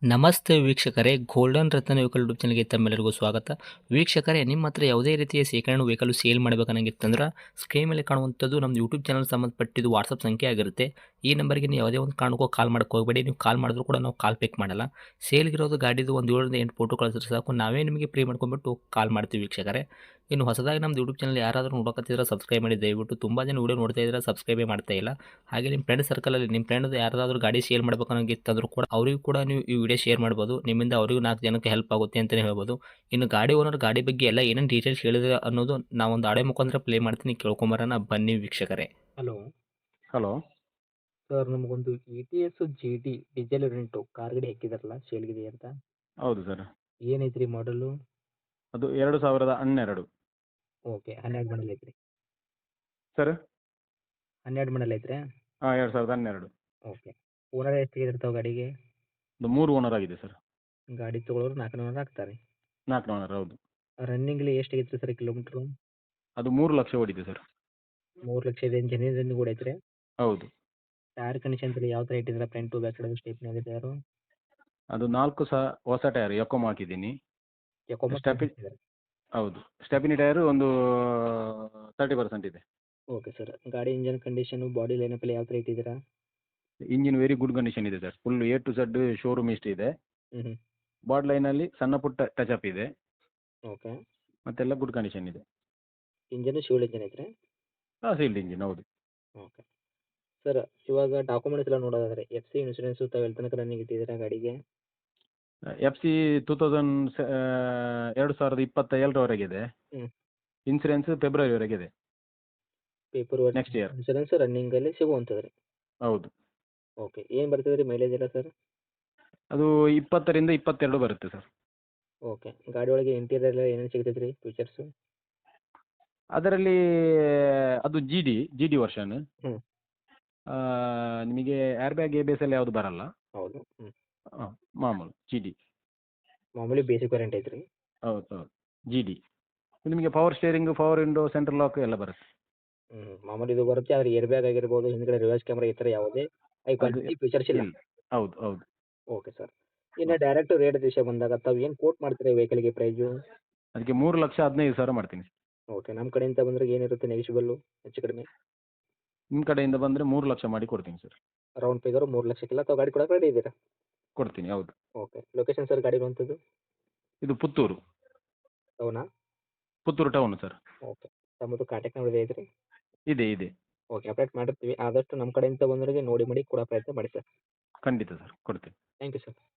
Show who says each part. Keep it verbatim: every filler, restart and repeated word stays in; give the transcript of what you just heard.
Speaker 1: ನಮಸ್ತೆ ವೀಕ್ಷಕರೇ, ಗೋಲ್ಡನ್ ರತ್ನ vehicle YouTube ಚಾನಲ್ಗೆ ತಮ್ಮೆಲ್ಲರಿಗೂ ಸ್ವಾಗತ. ವೀಕ್ಷಕರೇ, ನಿಮ್ಮ ಹತ್ರ ಯಾವುದೇ ರೀತಿಯ ಶೇಖರಣೆ ವೆಹಿಕಲ್ ಸೇಲ್ ಮಾಡಬೇಕನ್ನಂಗಿತ್ತಂದ್ರೆ ಸ್ಕ್ರೀನ್ ಮೇಲೆ ಕಾಣುವಂಥದ್ದು ನಮ್ಮ ಯೂಟ್ಯೂಬ್ ಚಾನಲ್ ಸಂಬಂಧಪಟ್ಟಿದ್ದು ವಾಟ್ಸಪ್ ಸಂಖ್ಯೆ ಆಗಿರುತ್ತೆ. ಈ ನಂಬರ್ಗೆ ನೀವು ಯಾವುದೇ ಒಂದು ಕಾರಣಕ್ಕೂ ಕಾಲ್ ಮಾಡಕ್ಕೆ ಹೋಗಬೇಡಿ. ನೀವು ಕಾಲ್ ಮಾಡಿದ್ರು ಕೂಡ ನಾವು ಕಾಲ್ ಪಿಕ್ ಮಾಡಲ್ಲ. ಸೇಲ್ಗಿರೋದು ಗಾಡಿದು ಒಂದು ಏಳರಿಂದ ಎಂಟು ಫೋಟೋ ಕಳಿಸಿದ್ರೆ ಸಾಕು, ನಾವೇ ನಿಮಗೆ ಪ್ರೀ ಮಾಡ್ಕೊಂಡ್ಬಿಟ್ಟು ಕಾಲ್ ಮಾಡ್ತೀವಿ ವೀಕ್ಷಕರೇ. ಇನ್ನು ಹೊಸದಾಗಿ ನಮ್ಮದು ಯೂಟ್ಯೂಬ್ ಚಾನಲ್ ಯಾರಾದರೂ ನೋಡೋಕತ್ತಿದ್ರೆ ಸಬ್ಸ್ಕ್ರೈಬ್ ಮಾಡಿ ದಯವಿಟ್ಟು. ತುಂಬ ಜನ ವೀಡಿಯೋ ನೋಡ್ತಾ ಇದ್ದಾರೆ, ಸಬ್ಸ್ಕ್ರೈಬೇ ಮಾಡ್ತಾ ಇಲ್ಲ. ಹಾಗೆ ನಿಮ್ಮ ಫ್ರೆಂಡ್ ಸರ್ಕಲಲ್ಲಿ ನಿಮ್ಮ ಫ್ರೆಂಡ್ ಯಾರಾದರೂ ಗಾಡಿ ಸೇಲ್ ಮಾಡ್ಬೇಕನ್ನೋಂಗಿತ್ತಂದ್ರೂ ಕೂಡ ಅವರಿಗೂ ಕೂಡ ನೀವು ಈ ವಿಡಿಯೋ ಶೇರ್ ಮಾಡ್ಬೋದು. ನಿಮ್ಮಿಂದ ಅವರಿಗೂ ನಾಲ್ಕು ಜನಕ್ಕೆ ಹೆಲ್ಪ್ ಆಗುತ್ತೆ ಅಂತಲೇ ಹೇಳ್ಬೋದು. ಇನ್ನು ಗಾಡಿ ಓನರ್ ಗಾಡಿ ಬಗ್ಗೆ ಎಲ್ಲ ಏನೇನು ಡೀಟೇಲ್ಸ್ ಹೇಳಿದ್ರೆ ಅನ್ನೋದು ನಾವೊಂದು ಆಡೆ ಮುಖಾಂತರ ಪ್ಲೇ ಮಾಡ್ತೀನಿ, ಕೇಳ್ಕೊಂಬರೋಣ ಬನ್ನಿ ವೀಕ್ಷಕರೇ. ಹಲೋ
Speaker 2: ಹಲೋ
Speaker 1: ಸರ್, ನಮಗೊಂದು E T S G T diesel rent car ಗಾಡಿ ಹಾಕಿದಾರಲ್ಲ, ಸೇಲ್ಗಿದೆ ಅಂತ.
Speaker 2: ಹೌದು ಸರ್.
Speaker 1: ಏನೈತ್ರಿ ಮಾಡಲು?
Speaker 2: ಅದು ಎರಡು ಸಾವಿರದ ಹನ್ನೆರಡು
Speaker 1: ಓಕೆ, ಹನ್ನೆರಡು ಮಾಡಲ್ ಐತ್ರಿ.
Speaker 2: ಸರ್.
Speaker 1: ಹನ್ನೆರಡು ಮಾಡಲ್ ಐತ್ರಿ.
Speaker 2: ಹಾಂ, ಎರಡು ಸಾವಿರದ ಹನ್ನೆರಡು.
Speaker 1: ಓಕೆ. ಓನರ್ ಎಷ್ಟು ಇರ್ತಾವೆ ಗಾಡಿಗೆ?
Speaker 2: ಅದು ಮೂರು ಓನರ್ ಆಗಿದೆ ಸರ್.
Speaker 1: ಗಾಡಿ ತೊಗೊಳೋರು ನಾಲ್ಕು ಓನರ್ ಆಗ್ತಾರೆ.
Speaker 2: ನಾಲ್ಕು ಓನರ್, ಹೌದು.
Speaker 1: ರನ್ನಿಂಗ್ಲಿ ಎಷ್ಟು ಐತ್ರಿ ಸರ್ ಕಿಲೋಮೀಟ್ರು?
Speaker 2: ಅದು ಮೂರು ಲಕ್ಷ ಓಡಿದೆ ಸರ್.
Speaker 1: ಮೂರು ಲಕ್ಷ ಇದೆ. ಜನಿನ್ ರನ್ನಿಂಗ್ ಕೂಡ ಐತ್ರಿ.
Speaker 2: ಹೌದು.
Speaker 1: ಟೈರ್ ಕಂಡೀಷನ್ ಎಲ್ಲ ಯಾವ ಥರ ಇಟ್ಟಿದ್ರೆ ಫ್ರಂಟು ಬ್ಯಾಕ್ ಸೈಡ್ ಸ್ಟೇಪ್ನಿ ಆಗಿದೆ ಯಾರು?
Speaker 2: ಅದು ನಾಲ್ಕು ಸಹ ಹೊಸ ಟೈರ್ ಎಕೊಮ್ ಹಾಕಿದ್ದೀನಿ. ಸ್ಟೆಪಿ ಹೌದು, ಸ್ಟೆಪಿನಿ ಟೈರು ಒಂದು ತರ್ಟಿ ಪರ್ಸೆಂಟ್ ಇದೆ.
Speaker 1: Okay sir. ಗಾಡಿ ಇಂಜನ್ ಕಂಡೀಷನು, ಬಾಡಿ ಲೈನಪ್ ಎಲ್ಲ ಯಾವ ಥರ ಇಟ್ಟಿದ್ದೀರಾ?
Speaker 2: ಇಂಜಿನ್ ವೆರಿ ಗುಡ್ ಕಂಡೀಷನ್ ಇದೆ sir. Full A to Z showroom ಇಷ್ಟ ಇದೆ.
Speaker 1: ಹ್ಞೂ ಹ್ಞೂ
Speaker 2: ಬಾಡ್ ಲೈನಲ್ಲಿ ಸಣ್ಣ ಪುಟ್ಟ ಟಚಪ್ ಇದೆ,
Speaker 1: ಓಕೆ.
Speaker 2: ಮತ್ತೆಲ್ಲ ಗುಡ್ ಕಂಡೀಷನ್ ಇದೆ.
Speaker 1: ಇಂಜನ್ ಶಿವಲ್ ಇಂಜನ್ ಐತ್ರಿ?
Speaker 2: ಹಾಂ, ಸೀಲ್ಡ್ ಇಂಜಿನ್, ಹೌದು.
Speaker 1: Okay sir. ಇವಾಗ ಡಾಕ್ಯುಮೆಂಟ್ಸ್ ಎಲ್ಲ ನೋಡೋದಾದ್ರೆ ಎಫ್ ಸಿ ಇನ್ಶೂರೆನ್ಸು ತಾವು ಎಲ್ಲಿ ತನಕ ರನ್ನಿಂಗ್ ಇಟ್ಟಿದ್ದೀರಾ ಗಾಡಿಗೆ?
Speaker 2: ಎಫ್ ಸಿ ಟೂ ತೌಸಂಡ್ ಎರಡು ಸಾವಿರದ ಇಪ್ಪತ್ತ ಏಳರವರೆಗಿದೆ.
Speaker 1: ಹ್ಞೂ.
Speaker 2: ಇನ್ಸೂರೆನ್ಸ್ ಫೆಬ್ರವರಿವರೆಗಿದೆ.
Speaker 1: Paper work
Speaker 2: next year.
Speaker 1: Insurance ರನ್ನಿಂಗಲ್ಲಿ ಸಿಗುವಂಥದ್ದು ರೀ?
Speaker 2: ಹೌದು.
Speaker 1: ಓಕೆ. ಏನು ಬರ್ತದೆ ರೀ ಮೈಲೇಜ್ ಎಲ್ಲ ಸರ್?
Speaker 2: ಅದು ಇಪ್ಪತ್ತರಿಂದ ಇಪ್ಪತ್ತೆರಡು ಬರುತ್ತೆ ಸರ್.
Speaker 1: ಓಕೆ. ಗಾಡಿ ಒಳಗೆ ಇಂಟೀರಿಯರ್ ಎಲ್ಲ ಏನೇನು ಸಿಗ್ತೈತೆ ರೀ ಫೀಚರ್ಸು?
Speaker 2: ಅದರಲ್ಲಿ ಅದು G D G D version.
Speaker 1: ಹ್ಞೂ.
Speaker 2: ನಿಮಗೆ air bag A B S ಎಲ್ಲ ಯಾವುದು ಬರಲ್ಲ.
Speaker 1: ಹೌದು. ಹ್ಞೂ.
Speaker 2: ಹಾಂ, ಮಾಮೂಲು ಜಿ ಡಿ.
Speaker 1: ಮಾಮೂಲಿ ಬೇಸಿಕ್ ವಾರಂಟಿ ಐತ್ರಿ?
Speaker 2: ಹೌದು ಹೌದು, ಜಿ ಡಿ. ನಿಮಗೆ power steering, power window, central lock ಎಲ್ಲ ಬರುತ್ತೆ.
Speaker 1: ಹ್ಞೂ. ಮಾಮೂಲಿ ಇದು ಬರುತ್ತೆ. ಆದರೆ ಏರ್ ಬ್ಯಾಗ್ ಆಗಿರ್ಬೋದು, ಹಿಂದ್ಗಡೆ ರಿವರ್ಸ್ ಕ್ಯಾಮ್ರಾ, ಈ ಥರ ಯಾವುದೇ ಹೈ
Speaker 2: ಅದು
Speaker 1: ಕ್ವಾಲಿಟಿ ಫೀಚರ್ಸ್ ಇಲ್ಲ?
Speaker 2: ಇಲ್ಲ. ಹೌದು ಹೌದು.
Speaker 1: Okay sir. ಇನ್ನು ಡೈರೆಕ್ಟ್ ರೇಟ್ ವಿಷಯ ಬಂದಾಗ ತಾವು ಏನು ಕೋಟ್ ಮಾಡ್ತೀರಾ ವೆಹಿಕಲ್ಗೆ ಪ್ರೈಸು?
Speaker 2: ಅದಕ್ಕೆ ಮೂರು ಲಕ್ಷ ಹದಿನೈದು ಸಾವಿರ ಮಾಡ್ತೀನಿ.
Speaker 1: ಓಕೆ. ನಮ್ಮ ಕಡೆಯಿಂದ ಬಂದರೆ ಏನಿರುತ್ತೆ ನೆಗೆಶಿಬಲ್ಲು ಹೆಚ್ಚು ಕಡಿಮೆ?
Speaker 2: ನಿಮ್ಮ ಕಡೆಯಿಂದ ಬಂದರೆ ಮೂರು ಲಕ್ಷ ಮಾಡಿ ಕೊಡ್ತೀನಿ ಸರ್.
Speaker 1: ರೌಂಡ್ ಫಿಗರು ಮೂರು ಲಕ್ಷಕ್ಕೆಲ್ಲ ತಾವು ಗಾಡಿ ಕೊಡೋಕೆ ರೆಡಿ ಇದ್ದೀರಾ?
Speaker 2: ಕೊಡ್ತೀನಿ, ಹೌದು.
Speaker 1: ಓಕೆ. ಲೊಕೇಶನ್ ಸರ್ ಗಾಡಿ ಇರುವಂಥದ್ದು?
Speaker 2: ಇದು ಪುತ್ತೂರು.
Speaker 1: ಹೌನಾ?
Speaker 2: Puttur town sir.
Speaker 1: ಓಕೆ. ತಮ್ಮದು ಕಾಂಟ್ಯಾಕ್ಟ್ ನಂಬರ್ ಐತ್ರಿ?
Speaker 2: ಇದೆ ಇದೆ.
Speaker 1: ಓಕೆ. ಅಪ್ಡೇಟ್ ಮಾಡಿರ್ತೀವಿ. ಆದಷ್ಟು ನಮ್ಮ ಕಡೆಯಿಂದ ಬಂದವರಿಗೆ ನೋಡಿ ಮಾಡಿ ಕೊಡೋ ಪ್ರಯತ್ನ ಮಾಡಿ ಸರ್.
Speaker 2: ಖಂಡಿತ ಸರ್, ಕೊಡ್ತೀನಿ.
Speaker 1: Thank you sir.